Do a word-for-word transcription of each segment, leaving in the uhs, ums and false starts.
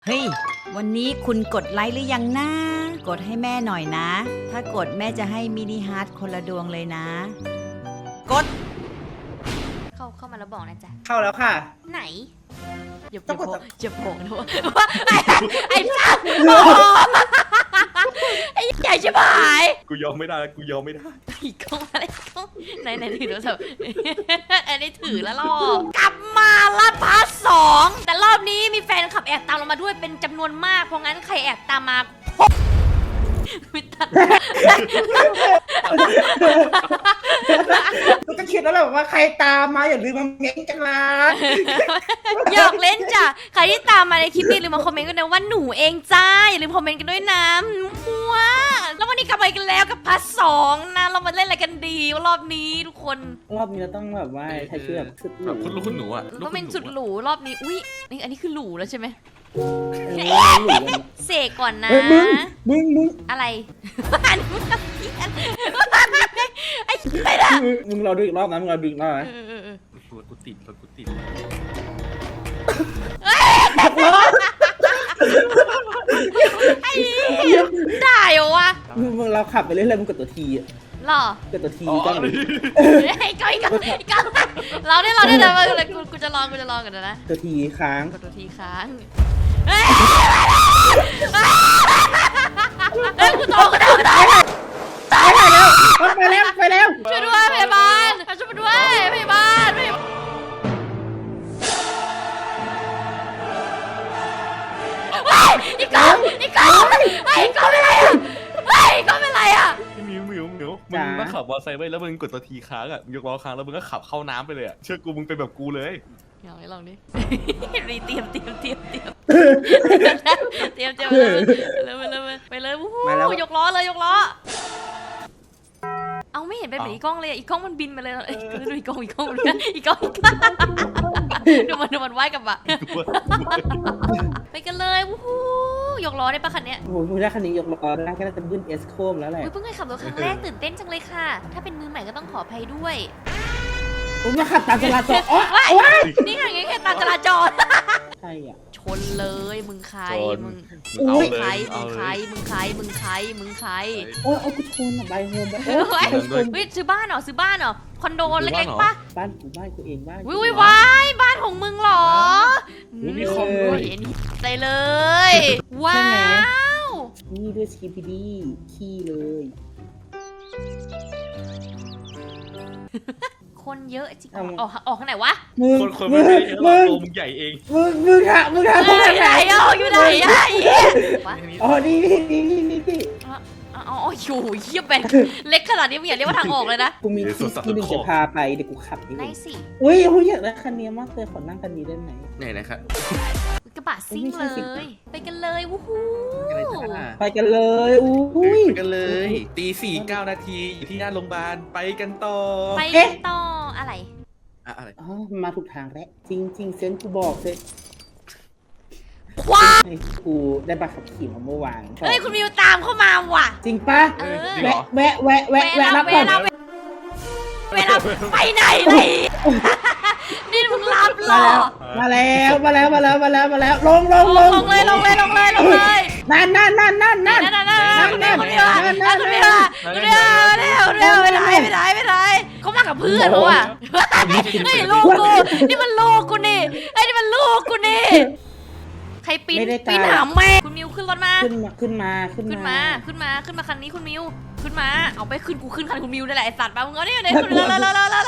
เฮ้ยวันนี้คุณกดไลค์หรือยังนะกดให้แม่หน่อยนะถ้ากดแม่จะให้มินิฮาร์ทคนละดวงเลยนะกดเข้าเข้ามาแล้วบอกนะจ๊ะเข้าแล้วค่ะไหนอย่าต้องกดจะบอกนะว่าไอ้ไอ้จ้าไอ้ใหญ่ชิบหายกูยอมไม่ได้แล้วกูยอมไม่ได้อีกกล้องอะไรกล้องไหนไหนถือโทรศัพท์อันนี้ถือแล้วรอกลับมาละพาร์ทสองแต่รอบนี้มีแฟนขับแอบตามเรามาด้วยเป็นจำนวนมากเพราะงั้นใครแอบตามมาไม่ตัดก็คิดแล้วแหละว่าใครตามมาอย่าลืมมาเม้นกันนะหยอกเล่นจ้ะใครที่ตามมาในคลิปนี้ลืมมาคอมเมนต์กันนะว่าหนูเองจ้าอย่าลืมคอมเมนต์กันด้วยนะมัวแล้ววันนี้กลับมากันแล้วกับพาร์ทสองนะเรามาเล่นอะไรกันดีรอบนี้ทุกคนรอบนี้เราต้องแบบว่าใช้ชื่อแบบสุดหรูคุณลูกคุณหนูอ่ะต้องเป็นสุดหรูรอบนี้อุ้ยนี่อันนี้คือหรูแล้วใช่ไหมเสกก่อนนะมึงมึงมึงอะไรอันมึงไอ้ไม่ได้มึงเราดูอีกรอบนะมึงเราดูอีกรอบนะรถกูติดรถกูติดไอ้ได้เหรอวะมึงเราขับไปเรื่อยๆมึงกดตัวทีอ่ะหรอกดตัวทีก็ไอ้ก้อยก้อยก้อยเราได้เราได้เดี๋ยวกูกูจะลองกูจะลองกันนะตัวทีค้างกดตัวทีค้างเฮ้ยกูโตกูโตกูโตตายแล้วไปแล้วไปแล้วช่วยด้วยพยาบาลช่วยมาด้วยพยาบาลอีกก้องอีกก้องไอ้ก้องเป็นไรอ่ะไอ้ก้องเป็นไรอ่ะมิวมิวมิวมึงมาขับมอเตอร์ไซค์ไปแล้วมึงกดตัวทีค้างอ่ะยกล้อค้างแล้วมึงก็ขับเข้าน้ำไปเลยอ่ะเชื่อกูมึงเป็นแบบกูเลยลองดิลองดิรีเตรียมเตรียมเตรียมเตรียมเตรียมเตรียมเลยไปเลยไปเลยวู้หูยกล้อเลยยกล้อเอาไม่เห็นเป็นแบบอีกล้องเลยอีกล้องมันบินมาเลยดูอีกล้องอีกล้องอีกล้องดูมันดูมันว่ายกับอะไปกันเลยวู้หูยกล้อได้ปะคันเนี้ยโอ้โหมึงได้คันนี้ยกล้อได้ก็น่าจะบึ้นเอสโคมแล้วแหละเพิ่งเคยขับรถครั้งแรกตื่นเต้นจังเลยค่ะถ้าเป็นมือใหม่ก็ต้องขออภัยด้วยผมมาขับตามจราจรอ๋อนี่ไงแค่ตามจราจรใช่อ่ะชนเลยมึงใครมึงมึงใครมึงใครมึงใครมึงใครมึงใครโอ้ยเอากูชนอ่ะใบโฮมไปเฮ้ยเฮ้ยซื้อบ้านเหรอซื้อบ้านเหรอคอนโดเล็กๆปะบ้านกูบ้านกูเองบ้านวิววายบ้านของมึงเหรอมีคอมด้วยเห็นใจเลยว้าวนี่ด้วยสกีพีดีขี้เลยคนเยอะจริงออกออกข้างไหนวะคนคนไม่ได้เยอะหรอกตัวมึงใหญ่เองมึงมึงอะมึงอะมึงไหนอ่ะอยู่ไหนอ่ะอ๋อนี่นี่นี่นี่นี่อ๋อโอ้ยโหเยี่ยมแบนเล็กขนาดนี้มึงอย่าเรียกว่าทางออกเลยนะกูมีที่ที่หนึ่งจะพาไปเดี๋ยวกูขับนี่ได้สิอุ้ยกูอยากได้คันนี้มากเลยขอนั่งคันนี้ได้ไหมไหนนะครับกระบะซิ่งเลยไปกันเลยวู้ฮู้ไปกันเลยอุ้ยไปกันเลยตีสี่เก้านาทีอยู่ที่หน้าโรงพยาบาลไปกันต่อไปกันต่ออะไรอะไรอ๋อมาถูกทางแล้วจริงจริงเซนกูบอกเลยว้ากูได้บัตรขับขี่มาเมื่อวานเฮ้ยคุณมิวตามเข้ามาว่ะจริงปะแวะแวะแวะแวะแวะรับก่อนเวลาไปไหนเลยนี่มึงรับหรอมาแล้วมาแล้วมาแล้วมาแล้วมาแล้วลงลงลงลงเลยลงเลยลงเลยลงเลยนั่นนั่นนั่นนั่นนั่นนั่นนั่นนั่นนั่นคนเดียวนั่นคนเดียวคนเดียวเร็วเร็วไม่ได้ไม่ได้ไม่ได้เขามากับเพื่อนเขาอะเฮ้ยลูกกูนี่มันลูกกูนี่ไอ้นี่มันลูกกูนี่ใครปีนปีนหามแม่คุณมิวขึ้นรถมาขึ้นมาขึ้นมาขึ้นมาขึ้นมาขึ้นมาคันนี้คุณมิวขึ้นมาเอาไปขึ้นกูขึ้นคันคุณมิวนี่แหละไอสัตว์มามึงเอาเนี่ยเดี๋ยวขึ้นเลยเลยเลยเลย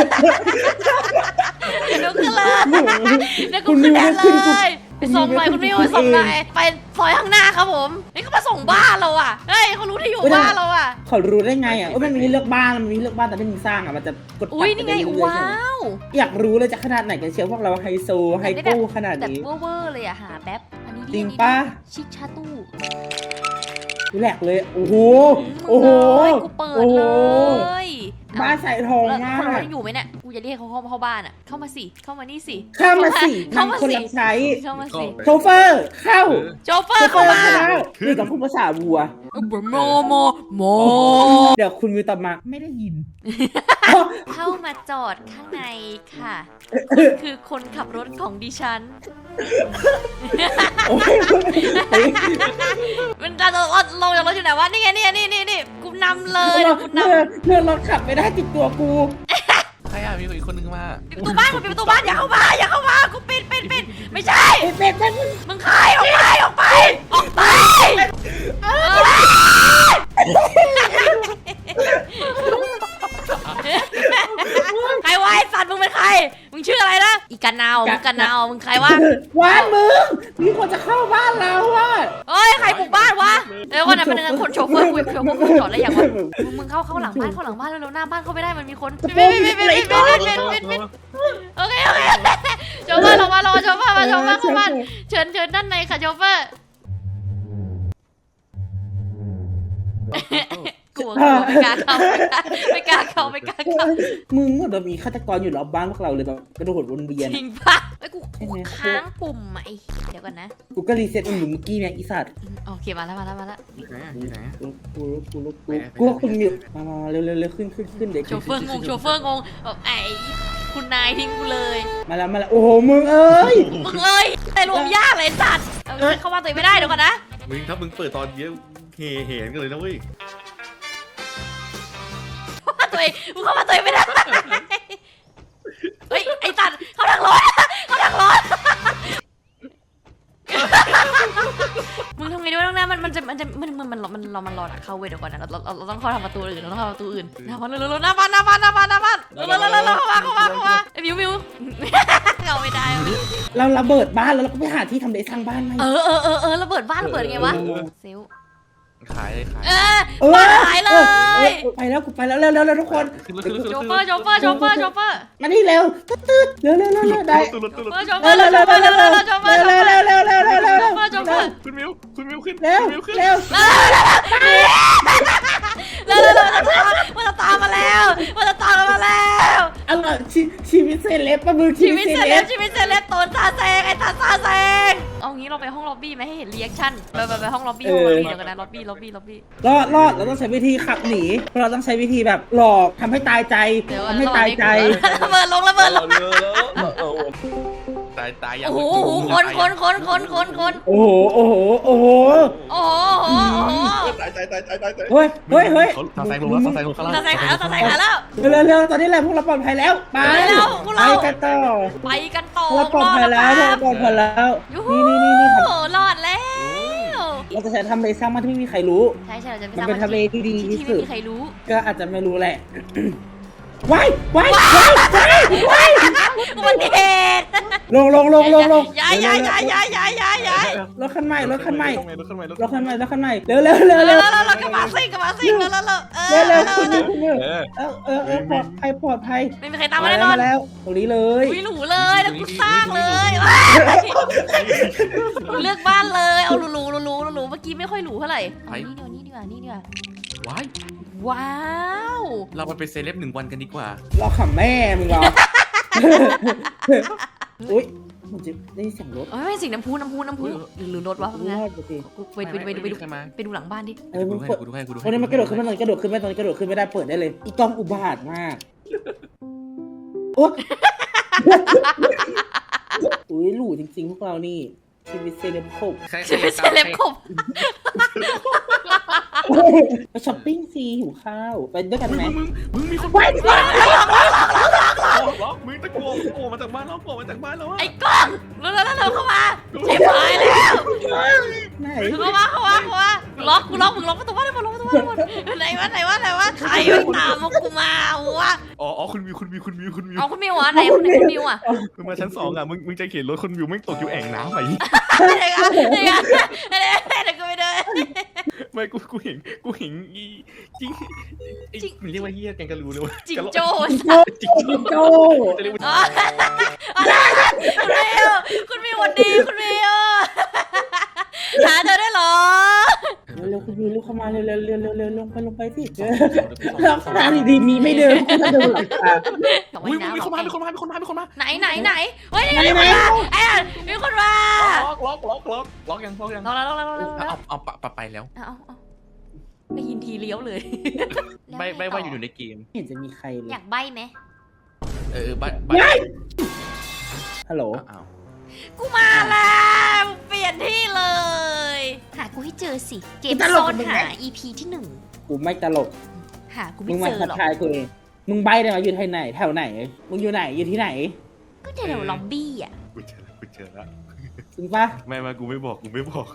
เดี๋ยวขึ้นเลยเดี๋ยวกูขึ้นแทนเลยไปส่งหน่อยคุณมิวไปส่งหน่อยไปซอยข้างหน้าครับผมเฮ้ยเขามาส่งบ้านเราอ่ะเฮ้ยเขารู้ที่อยู่บ้านเราอ่ะเขารู้ได้ไงอ่ะว่ามันมีเลือกบ้านมันมีเลือกบ้านแต่ไม่มีสร้างอ่ะมันจะกดอุ้ยนี่ไงว้าวอยากรู้เลยจะขนาดไหนกันเชียวพวกเราไฮโซไฮโก้ขนาดนี้แบบเวอร์เลยอ่ะหาแป๊บอันนี้จริงปะชิคชาตู้แหลกเลยโอ้โหโอ้โหกูเปิดเลยบ้านใส่ทองมากคนนั้นอยู่ไหมเนี่ยกูจะเรียกเขาเข้าเข้าบ้านอ่ะเข้ามาสิเข้ามานี่สิเข้ามาสิเข้ามาสิใช้เข้ามาสิโชเฟอร์เข้าโชเฟอร์เข้ามาคือต้องพูดภาษาวัวโมโมโมเดี๋ยวคุณมิวตอบมาไม่ได้ยินเข้ามาจอดข้างในค่ะคือคนขับรถของดิฉันโอ้ยมันจะลงลงจากรถอยู่ไหนวะนี่ไงนี่ไงนี่นี่นี่กูนำเลยกูนำเลื่อนเลื่อนรถขับไม่ได้ติดตัวกูใครอ่ะมีอีกคนนึงมาปิดประตูบ้านกูปิดประตูบ้านอย่าเข้ามาอย่าเข้ามากูปิดปิดปิดไม่ใช่เป็ดเป็ดมึงใครออกไปออกไปออกไปเออใครวะไอ้สัตว์มึงเป็นใครมึงชื่ออะไรนะอีกันนาวมึงกันนาวมึงใครวะว้านมึงมีคนจะเข้าบ้านเราอ่ะเอ้ยใครบุกบ้านวะเดี๋ยวก่อนนะเป็นคนโชเฟอร์คุยโชเฟอร์คุยจอดอะไรอย่างวะมึงมึงเข้าเข้าหลังบ้านเข้าหลังบ้านแล้วหน้าบ้านเข้าไม่ได้มันมีคนปิดปิดปิดปิดปิดปิดปิดปิดโอเคโอเคโชเฟอร์ลงมาลงมาโชเฟอร์มาโชเฟอร์เข้าบ้านเชิญเชิญด้านในค่ะโชเฟอร์กลัวกลัวไม่กล้าเข้าไม่กล้าเข้าไม่กล้าเข้ามึงแบบมีฆาตกรอยู่รอบบ้านพวกเราเลยแบบกระโดดวนเวียนจริงปะไอ้กูกูค้างปุ่มไอ้เดี๋ยวก่อนนะกูก็รีเซ็ตมันอยู่เมื่อกี้เนี่ยอีสัตว์โอเคมาแล้วมาแล้วมาแล้วไหนอ่ะที่ไหนอ่ะกูกูกูกูกูว่าคุณมิวมามาเร็วเร็วเร็วขึ้นขึ้นขึ้นเด็กโชเฟอร์งงโชเฟอร์งงแบบไอ้คุณนายทิ้งกูเลยมาแล้วมาแล้วโอ้โหมึงเอ้ยมึงเอ้ยแต่รวมยากเลยสัตว์เข้ามาตัวไม่ได้เดี๋ยวก่อนนะมึงถ้ามึงเปิดตอนเยอะเห่เห็นกันเลยนะเว้ยตัวเองมึงเข้ามาตัวเองไม่ได้เฮ้ยไอ้สัตว์เขาดักรถเขาดักรถมึงทำไงด้วยน้องน้ำมันมันจะมันจะมันมันมันมันเรามันรอดักเข้าเว้ยเดี๋ยวก่อนนะเราเราเราต้องเข้าทางประตูอื่นเราต้องเข้าประตูอื่นหน้าบ้านเร็วๆหน้าบ้านหน้าบ้านหน้าบ้านหน้าบ้านเร็วๆเร็วๆเข้ามาเข้ามาเข้ามาไอ้มิวมิวเข้าไม่ได้เราระเบิดบ้านแล้วเราก็ไปหาที่ทำเลสร้างบ้านไหมเออเออเออเออระเบิดบ้านระเบิดยังไงวะเซลขายเลยขายเออบ้านหายเลยไปแล้วกูไปแล้วเร็วเร็วเร็วทุกคนขึ้นรถขึ้นรถขึ้นโชรถเฟอร์โชเฟอร์โชเฟอร์โชเฟอร์มานี่เร็วตืดตืดเร็วเร็วเร็วเร็วได้ขึ้นรถขึ้นรถโชเร็วเฟอร์เร็วโชเร็วเฟอเร็วร์เร็วโชเฟอร์เร็วเร็วเร็วเร็วเร็วเร็วเร็วโชเฟอร์คุณมิวคุณมิวขึ้นเร็วคุณมิวขึ้นเร็วเร็วเร็วเร็วมันจะตามมาแล้วมันจะตามมาแล้วอะไรชีชีวิตเซเลบปะมึงชีชีวิวิตตเซเซเลเลบบ ชีวิตเซเลบตัวซาแซงไอ้ตาซาแซงเอางี้เราไปห้องล็อบบี้ไหมให้เห็นรีแอคชั่นไปไปไปห้องล็อบบี้ห้องล็อบบี้เดี๋ยวกันนะล็อบบี้ล็อบบี้ล็อบบี้รอดรอดเราต้องใช้วิธีขับหนีเราต้องใช้วิธีแบบหลอกทำให้ตายใจเดี๋ยวทำให้ตายใจระเบิดลงระเบิดลงตายตายอย่างโอ้โหคนคนคนคนคนคนโอ้โหโอ้โหโอ้โหโอ้โหโอ้โหตายตายตายตายตายเฮ้ยเฮ้ยเฮ้ยตาแซงลงแล้วตาแซงลงข้างล่างตาแซงหาแล้วตาแซงหาแล้วเร็วเร็วตอนนี้แหละพวกเราปลอดภัยแล้วไปไปแล้วพวกเราไปกันต่อไปกันต่อพวกเราปลอดภัยแล้วพวกเราปลอดภัยแล้วยูฮูนี่นี่นี่นี่รอดแล้วเราจะใช้ทำเลสร้างบ้านที่ไม่มีใครรู้ใช่ใช่เราจะไปมันสร้างเป็นทำเลที่ดีที่สุดไม่มีใครรู้ก็อาจจะไม่รู้แหละ ว้ายว้ายว้ายว้ายอุบัติเหตุลงลงลงลงลงย้ายย้ายย้ายย้ายย้ายย้ายย้ายรถคันใหม่รถคันใหม่รถคันใหม่รถรถคันใหม่รถคันใหม่เร็วเร็วเร็วแล้เร็ววแล้วแล้วกระบะซิ่งกระบะซิ่งแล้วแล้วแล้วเออเร็วเร็วแล้วคุณนิวคุณนิวเออเออเออเออปลอดภัยปลอดภัยไม่มีใครตามมาแน่นอนมาแล้วตรงนี้เลยวิหรูเลยแล้วกูสร้างเลยเลือกบ้านเลยเอาหรูหรูหรูหรูหรูเมื่อกี้ไม่ค่อยหรูเท่าไหร่นี่ดีกว่านี่ดีกว่านี่ดีกว่าว้ายว้าวเรามาเป็นเซเลบหนึ่งวันกันดีกว่ารอขำแม่มึงเหรออุ้ยมันจะได้เสียงรถเอ้ยสิ่งน้ำพุน้ำพุน้ำพุหรือหรือรถวะรนะอดปกติกูไปดูไปดูไปดูไปดูหลังบ้านดิเออมึกูงให้เปิดกูดูให้กูดูตอนนี้มันกระโดดขึ้นมาตอนนี้กระโดดขึ้นไม่ตอนนี้กระโดดขึ้นไม่ได้เปิดได้เลยอีกล้องอุบาทมากโอ้อุ้ยหลูจริงๆพวกเรานี่ชีวิตเซเลบคบชีวิตเซเลบคบไปช้อปปิ้งสิหิวข้าวไปด้วยกันไหมมึงมึงมีคนไปดิล็อกล็อกมึงตะโกนโผล่มาจากบ้านเราโผล่มาจากบ้านเราไอ้กล้องแล้วแล้วแล้วเข้ามาเจ็บหายแล้วไหนเข้ามาเข้ามาเข้ามาล็อกกูล็อกมึงล็อกประตูบ้านได้หมดล็อกประตูบ้านได้หมดไหนวะไหนวะไหนวะใครไปตามมากูมาวะอ๋ออ๋อคุณมิวคุณมิวคุณมิวคุณมิวเอาคุณมิวอ่ะไหนคุณคุณมิวอ่ะมึงมาชั้นสองอ่ะมึงมึงจะเข็นรถคุณมิวไม่ตกอยู่แอ่งน้ำไหมไหนกันไหนกันไหนไหนกูไปเดินไม่กูกูเห็นกูเห็นอีจริงไอ้มันเรียกว่าเฮียแกงกะรูเลยวะจิงโจ้โจ้โจ้จะเรียกว่าอ๋อคุณมิวคุณมิววันดีคุณมิวหาเธอได้หรอเร็วๆคุณยูลูกเข้ามาเร็วๆเร็วๆเร็วๆเร็วๆลงไปลงไปสิหลังคาดีๆมีไม่เดินคุณจะเดินหลังคาอุ้ยมีคนมามีคนมามีคนมามีคนมาไหนไหนไหนเฮ้ยมีคนมาไอ้มีคนมาล็อกล็อกล็อกล็อกล็อกยังล็อกยังล็อกแล้วล็อกแล้วล็อกแล้วเอาเอาปะไปแล้วเอาเอาได้ยินทีเลี้ยวเลยไม่ไม่ว่าอยู่ในเกมไม่เห็นจะมีใครเลยอยากใบไหมเออบ้านว้ายฮัลโหลอ้าวกูมาแล้วเปลี่ยนที่เลย หากูให้เจอสิ เกมซ่อนหา อี พี ที่หนึ่งกูไม่ตลกหากูมึไม่งมาเจอทักหรอกทายกูเองมึงใบได้ไหมอยู่ที่ไหนแถวไหน มึงอยู่ไหนอยู่ที่ไหนก็แถวล็อบบี้อ่ะกูเจอแล้วกูเจอแล้วจริงปะไม่มากูไม่บอกกูไม่บอก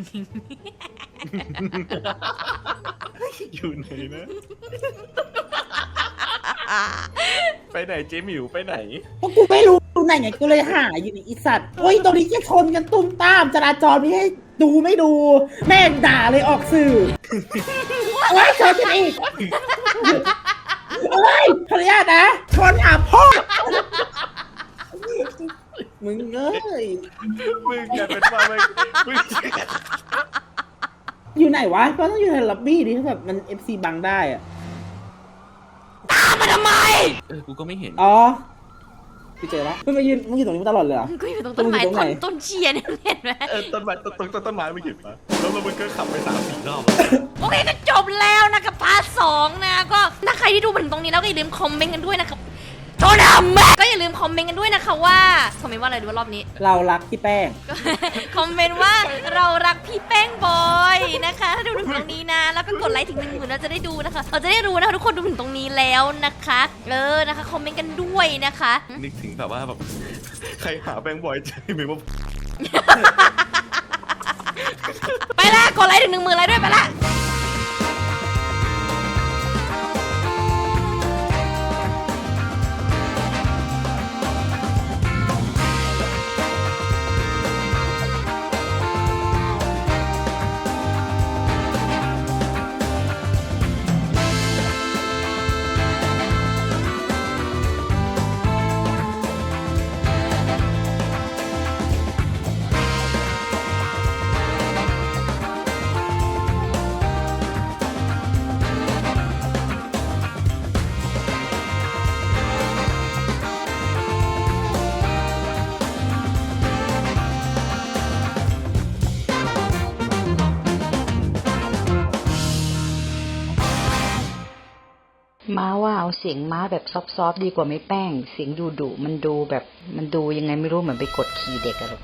อยู่ไหนนะ ไปไหนเจหมิวไปไหนเพราะกูไม่รู้ตรงไหนไงกูเลยหาอยู่ในอีสัตว์โอ้ยตรงนี้จะชนกันตุ้มตามจราจรไม่ให้ดูไม่ดู แม่งด่าเลยออกสื่อโอ้ยชนกันอีกโอ้ยขออนุญาตนะชนหาพ่อมึงเอ้ยมึงอย่าเป็นว่ามึงมึงอยู่ไหนวะก็ต้องอยู่ในล็อบบี้ดิถ้าแบบมัน เอฟ ซี บังได้อะตามมาทำไมเออกูก็ไม่เห็นอ๋อพี่เจอแล้วมึงมายืนมึงอยู่ตรงนี้มาตลอดเลยเหรอกูอยู่ตรงต้นไม้มึงอยู่ตรงต้ไหนนต้นเชียร์เนี่ยเห็นไหมเออต้นไม้ต้นต้นต้นต้นไม้ไม่เห็นปะแล้วแล้วมึงก็ขับไปสามสี่รอบโอเคก็จบแล้วนะกับพาร์ทสองนะก็ถ้าใครที่ดูมาถึงตรงนี้แล้วก็อย่าลืมคอมเมนต์กันด้วยนะครับโทษนะแม่ก็อย่าลืมคอมเมนต์กันด้วยนะคะว่าคอมเมนต์ว่าอะไรดูว่ารอบนี้เรารักพี่แป้งคอมเมนต์ว่าเรารักพี่แป้งบอยนะคะถ้าดูถึงตรงนี้นะ แล้วก็กดไลค์ถึงหนึ่งหมื่นเราจะได้ดูนะคะ เราจะได้รู้นะคะทุกคนดูถึงตรงนี้แล้วนะคะเออนะคะคอมเมนต์กันด้วยนะคะนึกถึงแบบว่าแบบใครหาแบงค์บอยเจหมิวมาไปละกดไลค์ถึงหนึ่งหมื่นไลค์ด้วยไปละม้าว่าเอาเสียงม้าแบบซอฟๆดีกว่าไม่แป้ง เสียงดุดุๆมันดูแบบมันดูยังไงไม่รู้เหมือนไปกดขี่เด็กอะลูก